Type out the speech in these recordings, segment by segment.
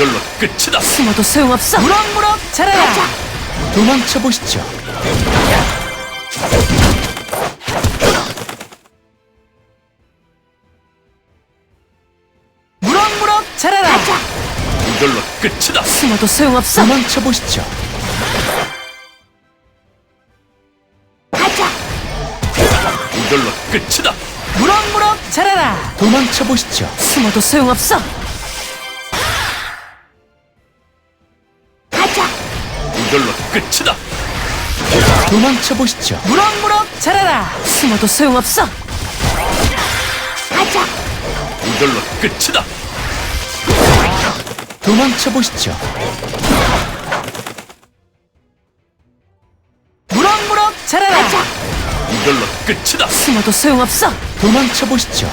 이걸로 끝이다. 숨어도 소용없어. 무럭무럭 자라라. 도망쳐 보시죠. 무럭무럭 자라라. 이걸로 끝이다. 숨어도 소용없어. 도망쳐 보시죠. 이걸로 끝이다. 무럭무럭 자라라. 도망쳐 보시죠. 숨어도 소용없어. 이걸로 끝이다. 도망쳐 보시죠. 무럭무럭 자라라. 숨어도 소용없어. 이걸로 끝이다. 도망쳐 보시죠. 무럭무럭 자라라. 이걸로 끝이다. 숨어도 소용없어. 도망쳐 보시죠.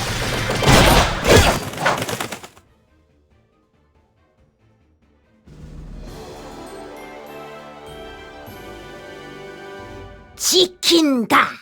지킨다.